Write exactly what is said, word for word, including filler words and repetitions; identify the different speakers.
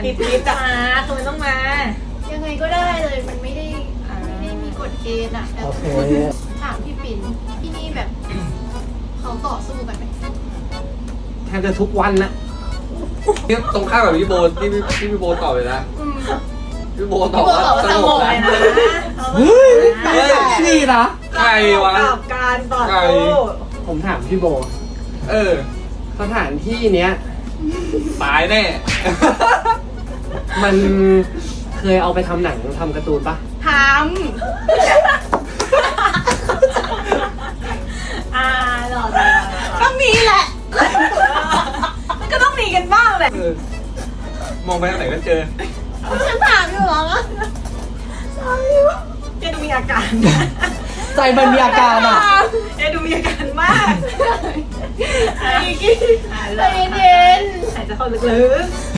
Speaker 1: มันติดติดจะมาคือมันต้องมา
Speaker 2: ยังไงก็ได้เลยมันไม่ได้ไม่ได้มีกฎเกณฑ์อะแต่
Speaker 3: โอเค
Speaker 2: ถามพี่ปิ่นที่นี่แบบเขาต่อสู้กันไหม
Speaker 3: แทบจะทุกวันนะ
Speaker 4: เนี่ยตรงข้ามกับพี่โบที่พี่ที่พี่โบตอบเลยนะ
Speaker 2: อืม
Speaker 4: พี่โบตอบว่าสงบ
Speaker 1: เล
Speaker 4: นะ
Speaker 1: ยนะ
Speaker 3: เฮ้ยนี่นะ
Speaker 4: ใครวะ
Speaker 1: กับการต่อ
Speaker 4: ใคร
Speaker 1: สู้
Speaker 3: ผมถามพี่โบ
Speaker 4: เออ
Speaker 3: สถานที่เนี้ย
Speaker 4: ตายแน่
Speaker 3: มันเคยเอาไปทำหนังทำการ์ตูนปะ
Speaker 2: ถาม
Speaker 1: อ่าหล่อหล่อ
Speaker 2: ก็มีแหละ
Speaker 1: มันก็ต้องมีกันบ้างแหละ
Speaker 4: เออ มองไปทางไหนก็เจอ
Speaker 2: ฉันถามอยู่เหรอ
Speaker 1: เจดูมีอาการ
Speaker 3: ใจมันมีอาการอ่ะ
Speaker 1: เจดูมีอาการมาก
Speaker 2: ใจเย็น
Speaker 1: หายใจเข้าลึกๆ